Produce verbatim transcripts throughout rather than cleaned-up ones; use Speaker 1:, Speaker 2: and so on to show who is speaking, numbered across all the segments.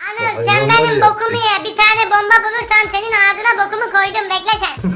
Speaker 1: Anıl sen benim bokumu ye. Bir tane bomba bulursan senin ağzına bokumu koydum. Bekle sen.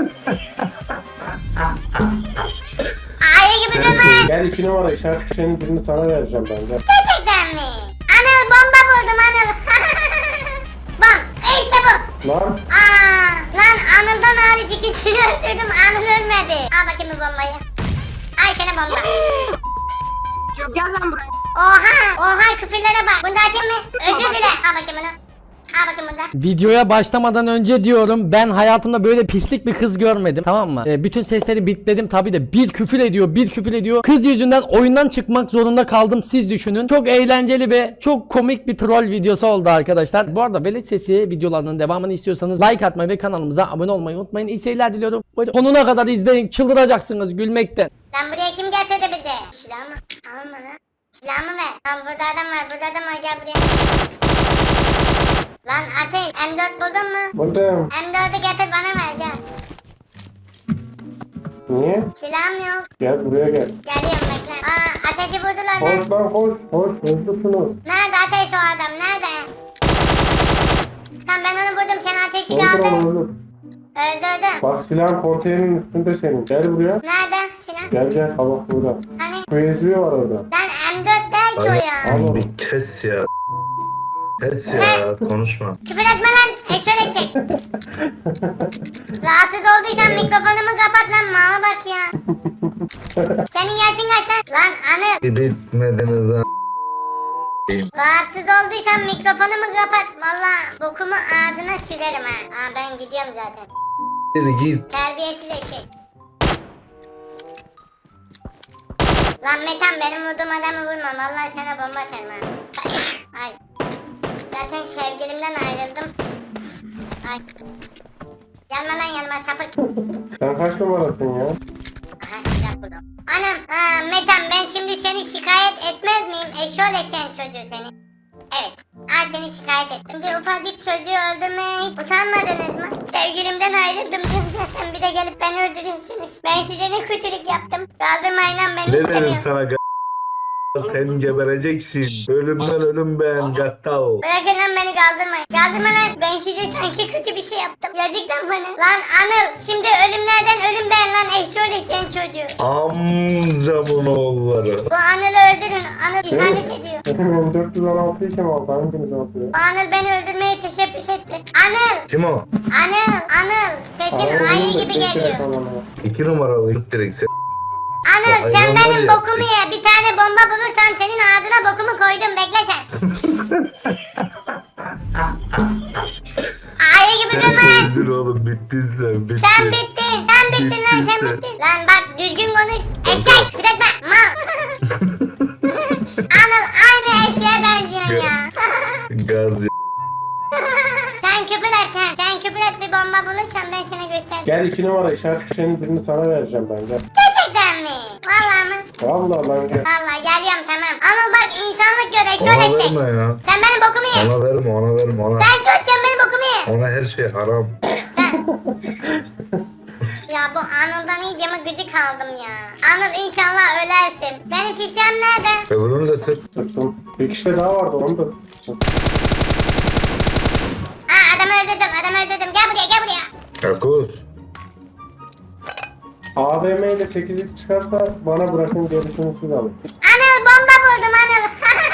Speaker 1: Ayı gibi durma lan.
Speaker 2: Gel iki numara işaret fişeğinin birini sana vereceğim ben. Gel.
Speaker 1: Gerçekten mi? Anıl bomba buldum Anıl. Bom. İşte bu.
Speaker 2: Lan.
Speaker 1: Aa, lan Anıl'dan hariç ikisini öldürdüm. Anıl ölmedi. Al bakayım bu bombayı. Ay sana bomba.
Speaker 3: Çok gel lan buraya.
Speaker 1: Oha. Oha küfürlere bak. Bunu da atayım mı? Özür dile. Al bakayım bunu. Al bakayım bunu da.
Speaker 4: Videoya başlamadan önce diyorum, ben hayatımda böyle pislik bir kız görmedim, tamam mı? Ee, bütün sesleri bitledim tabi de, bir küfür ediyor bir küfür ediyor. Kız yüzünden oyundan çıkmak zorunda kaldım, siz düşünün. Çok eğlenceli ve çok komik bir troll videosu oldu arkadaşlar. Bu arada Velet Sesi videolarının devamını istiyorsanız like atmayı ve kanalımıza abone olmayı unutmayın. İyi seyirler diliyorum. Böyle sonuna kadar izleyin, çıldıracaksınız gülmekten.
Speaker 1: Lan buraya kim getirdi bizi? Silahımı alma lan. Silahımı ver. Lan burada adam var. Burada adam var. Gel buraya. Lan Ateş M dört buldun mu?
Speaker 2: Buradayım.
Speaker 1: M dördü getir bana ver gel.
Speaker 2: Niye?
Speaker 1: Silahım yok.
Speaker 2: Gel buraya gel.
Speaker 1: Geliyorum bekle. Aa Ateş'i vurdular lan.
Speaker 2: Koş lan koş. Koş. Öldür şunu.
Speaker 1: Nerede Ateş o adam? Nerede? Tamam ben onu vurdum. Sen Ateş'i
Speaker 2: Öldür
Speaker 1: kaldın.
Speaker 2: onu öldür.
Speaker 1: Öldürdüm.
Speaker 2: Bak silahın konteynerin üstünde senin. Gel buraya.
Speaker 1: Nerede silah?
Speaker 2: Gel gel. Al bak burada.
Speaker 1: Hani?
Speaker 2: U S B var orada.
Speaker 1: Lan M dört değil ki o ya.
Speaker 2: Al onu.
Speaker 5: Bir kes ya. Kes ya, konuşma.
Speaker 1: Küfür etme lan. E şöyle çek. Rahatsız olduysan mikrofonumu kapat lan. Mala bak ya. Senin yaşın kaç lan? Lan Anıl.
Speaker 5: Bitmediniz ha.
Speaker 1: Rahatsız olduysan mikrofonumu kapat. Valla bokumu ağzına sürerim ha. Aa ben gidiyorum zaten.
Speaker 5: Bir git.
Speaker 1: Terbiyesiz eşek. Lan Metan benim vurduğum adamı vurma. Vallahi sana bomba atarım ha. Ay. Zaten sevgilimden ayrıldım. Ay. Yanma lan yanma sapık.
Speaker 2: Sen kaç numarasın ya?
Speaker 1: Aha silah buldum. Anam. Ha, Metan ben şimdi seni şikayet etmez miyim? Eşol eşeğin çocuğu seni. Evet. Al seni şikayet ettim. Şimdi ufacık çocuğu öldürmeye hiç utanmadınız mı? Sevgilimden ayrıldım diyorum zaten. Bir de gelip beni öldürüyorsunuz. Ben size ne kötülük yaptım. Kaldırmayın lan beni
Speaker 5: Ne dedim
Speaker 1: istemiyorum.
Speaker 5: sana g- sen gebereceksin. Ölümden ölüm ben gattal.
Speaker 1: Bırakın lan beni kaldırmayın. Kaldırma lan. Ben size sanki kötü bir şey yaptım. Yazık lan bana. Lan Anıl şimdi ölümlerden ölüm ben lan eşol eşeğin çocuğu.
Speaker 5: Amcamın oğulları.
Speaker 1: Bu Anıl'ı öldürün. Anıl ihanet ediyor.
Speaker 2: Benim M dört yüz on altıyı kim aldı? Hanginiz aldı ya?
Speaker 1: Bu Anıl beni öldürmeye teşebbüs etti. Anıl!
Speaker 5: Kim o?
Speaker 1: Anıl! Anıl! Sesin
Speaker 2: Aa,
Speaker 1: ayı
Speaker 2: oğlum,
Speaker 1: gibi
Speaker 2: tek
Speaker 1: geliyor.
Speaker 2: telefon ama.
Speaker 5: İki numaralı git direkt sen.
Speaker 1: Anıl
Speaker 5: Ya,
Speaker 1: sen
Speaker 5: hayvanlar
Speaker 1: benim
Speaker 5: ya.
Speaker 1: bokumu ye. Bir tane bomba bulursan senin ağzına bokumu koydum. Bekle sen. Ayı gibi durma lan.
Speaker 5: Öldür oğlum, bittin sen, bittin.
Speaker 1: Sen bittin. Sen bittin lan sen
Speaker 5: Bittin sen.
Speaker 1: bittin. Lan bak düzgün konuş. Eşek. Küretme. Mal. Anıl aynı eşeğe benziyorsun ya.
Speaker 5: Gaz ya.
Speaker 1: Sen küfür et sen. Sen küfür et bir bomba bulursan ben sana göstereyim.
Speaker 2: Gel iki numara işaret fişeğinin birini sana vereceğim ben. Gel.
Speaker 1: Gerçekten mi? Vallahi mı?
Speaker 2: Vallahi lan gel.
Speaker 1: Vallahi geliyorum tamam. Ama bak insanlık gör eşol
Speaker 5: Ona
Speaker 1: eşek.
Speaker 5: verme ya.
Speaker 1: Sen benim bokumu ye.
Speaker 5: Ona verme, ona verme, ona.
Speaker 1: Sen çocukken benim bokumu ye.
Speaker 5: Ona her şey haram.
Speaker 1: Sen. Ya bu Anıl'dan iyice mi gıcık aldım ya. Anıl inşallah ölersin. Benim fişem nerede?
Speaker 5: Öbürünü de sık.
Speaker 2: Sıktım. Bir kişi de daha vardı onu da.
Speaker 1: Ha adamı öldürdüm adamı öldürdüm. Gel buraya gel buraya.
Speaker 5: Kakuz.
Speaker 2: A V M ile sekiz x çıkarsa bana bırakın, gerisini siz alın.
Speaker 1: Anıl bomba buldum Anıl.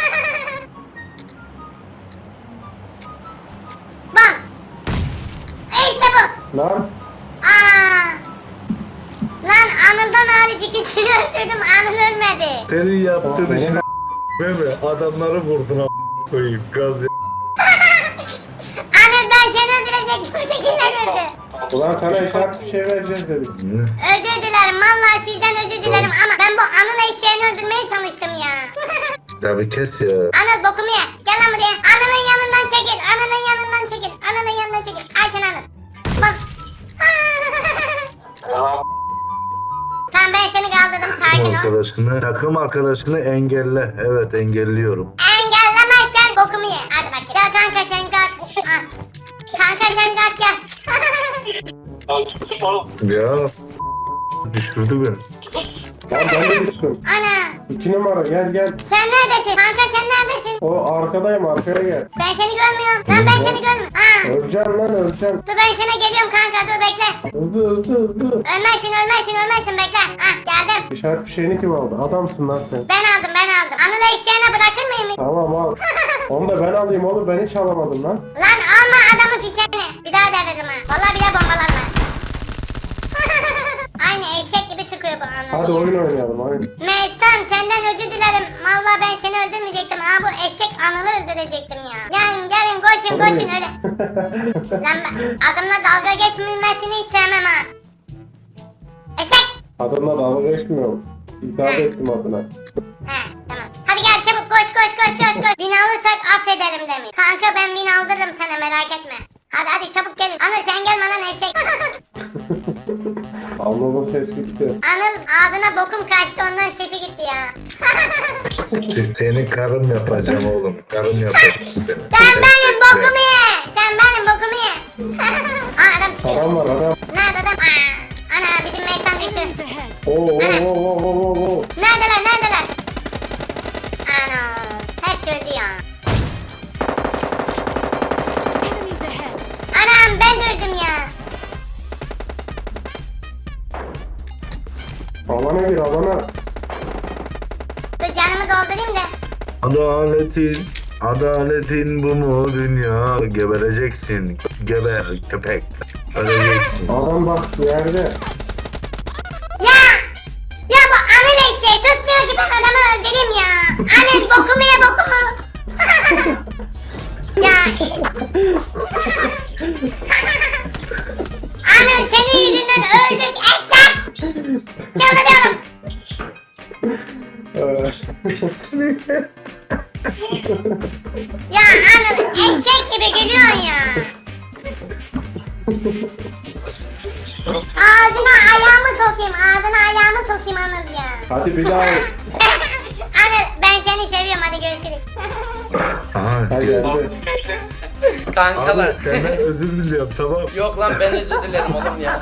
Speaker 1: Bom. İşte bu.
Speaker 2: Lan
Speaker 1: Aa. Lan Anıl'dan hariç ikisini öldürdüm. Anıl ölmedi.
Speaker 5: Senin yaptığın
Speaker 2: Aferin.
Speaker 5: işin a**eme. Adamları vurdun a** koyayım. Gaz ya.
Speaker 1: Anıl ben seni öldürecektim. Ötekiler öldü.
Speaker 2: ulan sana işaret bir şey vereceğiz dedik.
Speaker 5: Ne?
Speaker 1: Özür dilerim. Vallahi sizden özür dilerim ama ben bu Anıl eşeğini öldürmeye çalıştım ya.
Speaker 5: Tabii kes ya.
Speaker 1: Anıl bokumu ye. Gel lan buraya. Anıl'ın yanından çekil. Anıl'ın yanından çekil. Anıl'ın yanından çekil. Ay sen Anıl. Bak. Tamam ben seni kaldırdım.
Speaker 5: Takım
Speaker 1: Sakin ol.
Speaker 5: arkadaşını, takım arkadaşını engelle. Evet, engelliyorum.
Speaker 1: Engellemezsen bokumu ye. Hadi bak. Gel kanka sen kalk. Ah. Kanka sen kalk gel.
Speaker 5: Ya düşürdü beni.
Speaker 2: Lan ben de düştüm.
Speaker 1: Ana.
Speaker 2: İki numara gel gel.
Speaker 1: Sen neredesin? Kanka sen neredesin?
Speaker 2: O arkadayım arkaya gel.
Speaker 1: Ben seni görmüyorum. Lan ben seni görmüyorum. Aa.
Speaker 2: Öleceğim lan öleceğim.
Speaker 1: Dur ben sana geliyorum kanka dur bekle.
Speaker 2: Hızlı hızlı hızlı.
Speaker 1: Ölmezsin ölmezsin ölmezsin bekle. Ah geldim.
Speaker 2: İşaret fişeğini kim aldı? Adamsın lan sen.
Speaker 1: Ben aldım ben aldım. Anılı eşeğine bırakır mıyım?
Speaker 2: Tamam al. Onu da ben alayım oğlum ben hiç alamadım lan.
Speaker 1: Lan alma adamın fişeğini. Bir daha deviririm ha. Vallahi bile bombalarla. Aynı eşek gibi sıkıyor bu anı.
Speaker 2: Hadi oyun oynayalım oyun.
Speaker 1: Mestan senden özür dilerim. Vallahi ben seni öldürmeyecektim. Ha bu eşek anılı öldürecektim ya. Gelin gelin koşun koşun öyle. Lan ben adamla dalga geçmesini hiç sevmem ha. Eşek.
Speaker 2: Adamla dalga geçmiyorum. İtaat ettim adına.
Speaker 1: He tamam. Hadi gel çabuk koş koş koş koş koş. Bin alırsak affederim demiş. Kanka ben bin aldırırım sana merak etme. Hadi hadi çabuk gelin. Anıl sen gelme lan eşek.
Speaker 2: Anlamı ses gitti.
Speaker 1: Anıl ağzına bokum kaçtı ondan sesi gitti ya.
Speaker 5: Seni karım yapacağım oğlum. Karım yapacağım seni.
Speaker 1: Sen benim bokumu ye. Sen benim bokumu ye. Aa adam çıkıyor.
Speaker 2: Adam var adam.
Speaker 1: Nerede adam? Aa, ana bizim meytan düştü.
Speaker 2: Oo oo oo oo oo oo.
Speaker 1: Neredeler neredeler? Ana hepsi öldü ya. Anam ben de öldüm ya.
Speaker 2: Alana gir alana.
Speaker 1: Dur canımı doldurayım da.
Speaker 5: Adaletin, adaletin bu mu dünya? Gebereceksin. Geber köpek. Öleceksin.
Speaker 2: Adam bak yerde.
Speaker 1: Ya! Ya bu anıl eşeği tutmuyor ki ben adamı öldüreyim ya. Anıl bokumu ye bokumu. ya. Anıl senin yüzünden öldük eşek. Çıldırıyorum.
Speaker 2: Ee,
Speaker 1: Ya Anıl eşek gibi gülüyorsun ya. Ağzına ayağımı sokayım, ağzına ayağımı sokayım Anıl ya.
Speaker 2: Hadi bir daha.
Speaker 1: Anıl ben seni seviyorum hadi görüşürüz.
Speaker 5: Aha,
Speaker 2: Hadi
Speaker 5: gel.
Speaker 2: hadi.
Speaker 4: Kankalar.
Speaker 5: Abi senden özür diliyorum tamam.
Speaker 4: Yok lan ben özür dilerim oğlum ya.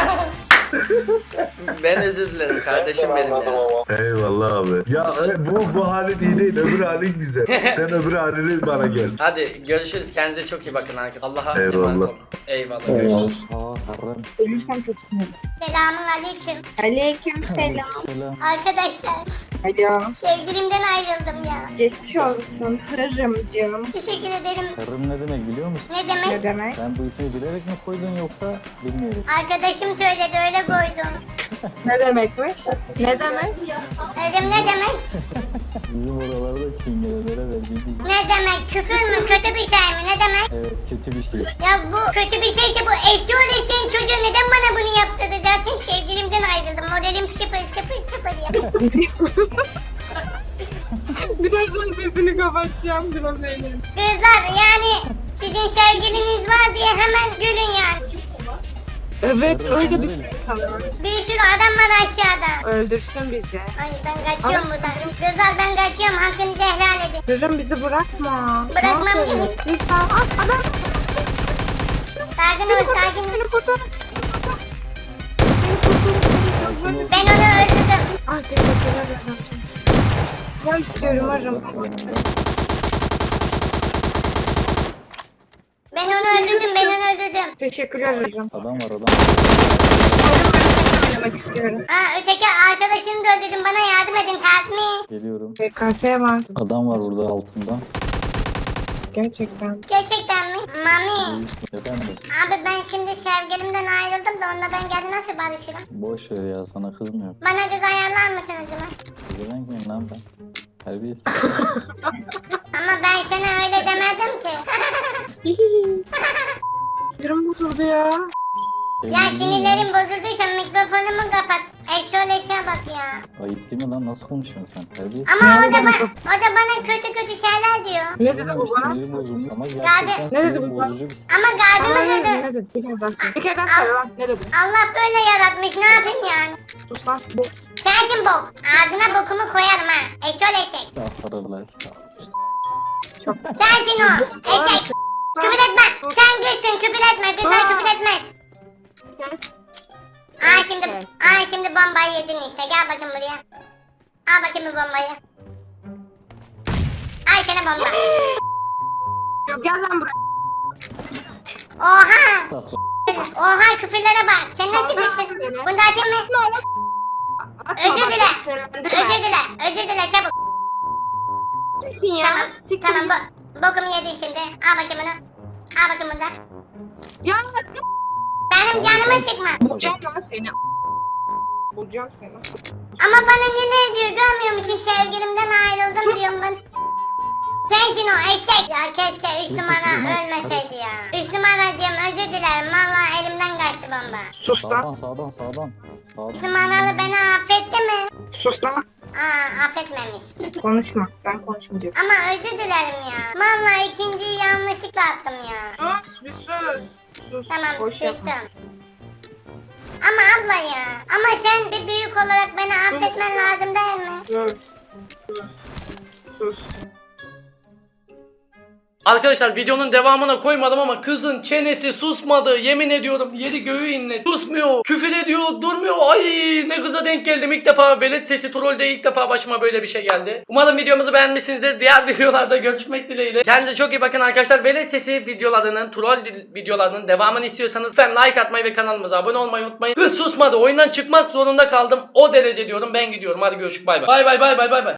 Speaker 4: Ben özür dilerim kardeşim benim ya.
Speaker 5: Eyvallah abi. Ya e, bu bu halin iyi değil, öbür halin güzel. Sen öbür halini bana gel.
Speaker 4: Hadi görüşürüz. Kendinize çok iyi bakın arkadaşlar. Allah'a
Speaker 5: Eyvallah.
Speaker 4: emanet olun. Eyvallah. Görüşürüz.
Speaker 3: Ölürsem çok sinirli.
Speaker 1: Selamun aleyküm.
Speaker 3: Aleyküm selam.
Speaker 1: Arkadaşlar
Speaker 3: Alo.
Speaker 1: sevgilimden ayrıldım ya.
Speaker 3: Geçmiş olsun hırımcığım.
Speaker 1: Teşekkür ederim.
Speaker 6: Karım ne demek biliyor musun?
Speaker 1: Ne
Speaker 3: Ne
Speaker 1: demek?
Speaker 3: demek?
Speaker 6: Sen bu ismi bilerek mi koydun yoksa bilmeyerek?
Speaker 1: Arkadaşım söyledi öyle koydum.
Speaker 3: Ne demekmiş? Ne demek?
Speaker 1: Dedim ne demek?
Speaker 6: Bizim oralarda çingenelere verdiğimiz
Speaker 1: Ne demek? Küfür mü? Kötü bir şey mi? Ne demek?
Speaker 6: evet kötü bir şey.
Speaker 1: Ya bu kötü bir şeyse bu eşi öleşen çocuğu neden bana bunu yaptırdı? Zaten sevgilimden ayrıldım. Modelim sıfır sıfır sıfır ya.
Speaker 3: Birazdan sesini kapatacağım. Biraz eğlenin.
Speaker 1: Kızlar yani sizin sevgiliniz var diye hemen gülün yani.
Speaker 3: Evet öyle bir şey sanırım.
Speaker 1: Bir sürü adam var aşağıda.
Speaker 3: Öldürsün bizi.
Speaker 1: Ay ben kaçıyorum buradan. Kızlar ben kaçıyorum. Hakkınızı helal edin.
Speaker 3: Hırım bizi bırakma.
Speaker 1: Bırakmam
Speaker 3: Ne yapıyorsun?
Speaker 1: seni.
Speaker 3: Lütfen. At adam.
Speaker 1: Sakin ol sakin ol.
Speaker 3: Beni kurtar.
Speaker 1: Ben onu öldürdüm.
Speaker 3: Ah teşekkürler ederim. Ben istiyorum hırım.
Speaker 1: Ben onu öldürdüm. Ben onu öldürdüm.
Speaker 3: Teşekkürler hırım.
Speaker 6: Adam var adam.
Speaker 3: Oynamak istiyorum.
Speaker 1: Aa öteki arkadaşını da öldürdüm. Bana yardım edin. Help me.
Speaker 6: Geliyorum.
Speaker 3: P K S var.
Speaker 6: Adam var burada altında.
Speaker 3: Gerçekten.
Speaker 1: Gerçekten mi? Mami.
Speaker 6: Efendim
Speaker 1: Abi ben şimdi sevgilimden ayrıldım da onunla ben geri nasıl barışırım?
Speaker 6: boş ver ya sana kızmıyor.
Speaker 1: Bana kız ayarlar mısın o zaman?
Speaker 6: Güven miyim lan ben? Terbiyesiz.
Speaker 1: Ama ben sana öyle demedim ki.
Speaker 3: Sinirim bozuldu ya.
Speaker 1: Ya sinirlerim bozulduysa mikrofonumu kapat. Eşoleşe bak ya.
Speaker 6: Ayıp değil mi lan nasıl konuşuyorsun sen? Terbiyesiz.
Speaker 1: Ama o da, ba- o da bana kötü kötü şeyler diyor.
Speaker 3: Ne dedi bu bana?
Speaker 6: Siniri bozuldu ama
Speaker 1: Abi,
Speaker 6: gerçekten
Speaker 3: ne dedi
Speaker 6: sinir
Speaker 3: bu bana?
Speaker 6: bozucu bir şey.
Speaker 1: Ama kalbimi
Speaker 3: Hayır,
Speaker 1: kırdı.
Speaker 3: ne dedi? Bir kere daha söyle. Bir kere daha söyle lan. Ne dedi?
Speaker 1: Allah böyle yaratmış ne yapayım yani?
Speaker 3: Sus lan. Bu.
Speaker 1: Sensin bok. Ağzına bokumu koyarım ha. Eşoleşek.
Speaker 6: Estağfurullah estağfurullah.
Speaker 3: Çok.
Speaker 1: Sensin o. Eşek. Küfür etme. Sen gülsün küfür etme. Kızlar küfür etmez.
Speaker 3: Ses.
Speaker 1: Aa şimdi, aa şimdi bombayı yedin işte. Gel bakayım buraya. Al bakayım bu bombayı. Ay sana bomba.
Speaker 3: Yok gel lan buraya.
Speaker 1: Oha. Oha küfürlere bak. Sen nasıl birisin? Bunu da atayım mı?
Speaker 3: Atma
Speaker 1: Özür
Speaker 3: bak,
Speaker 1: dile.
Speaker 3: sinirlendirme.
Speaker 1: Özür dile. Özür dile çabuk.
Speaker 3: Siksin ya.
Speaker 1: Tamam.
Speaker 3: Siktir
Speaker 1: Tamam
Speaker 3: git.
Speaker 1: bu, bokumu yedin şimdi. Al bakayım bunu. Al bakayım bunu da.
Speaker 3: Ya
Speaker 1: Benim canımı sıkma.
Speaker 3: bulacağım lan seni. Bulacağım seni.
Speaker 1: Ama bana neler diyor görmüyor musun? Sevgilimden ayrıldım diyorum ben. Sensin o eşek. Ya keşke üç numara ölmeseydi ya. Üç numaracığım özür dilerim. Valla elimden kaçtı bomba.
Speaker 3: Sus lan.
Speaker 6: Sağdan sağdan sağdan.
Speaker 1: Üç
Speaker 6: Sağdan.
Speaker 1: numaralı beni affetti mi?
Speaker 3: Sus lan.
Speaker 1: Aa affetmemiş.
Speaker 3: Konuşma. Sen konuşmayacaksın.
Speaker 1: Ama özür dilerim ya. Valla ikinciyi yanlışlıkla attım ya.
Speaker 3: Sus bir sus. Sus.
Speaker 1: Tamam
Speaker 3: Boş yapma.
Speaker 1: sustum. Ama abla ya. Ama sen bir büyük olarak beni affetmen lazım değil mi?
Speaker 3: Sus. Sus. Sus.
Speaker 4: Arkadaşlar videonun devamına koymadım ama kızın çenesi susmadı. Yemin ediyorum yeri göğü inledi. Susmuyor. Küfür ediyor. Durmuyor. Ay ne kıza denk geldim. İlk defa velet sesi trollde ilk defa başıma böyle bir şey geldi. Umarım videomuzu beğenmişsinizdir. Diğer videolarda görüşmek dileğiyle. Kendinize çok iyi bakın arkadaşlar. Velet sesi videolarının, troll videolarının devamını istiyorsanız lütfen like atmayı ve kanalımıza abone olmayı unutmayın. Kız susmadı. Oyundan çıkmak zorunda kaldım. O derece diyorum. Ben gidiyorum. Hadi görüşürüz. Bay bay. Bay bay bay bay bay.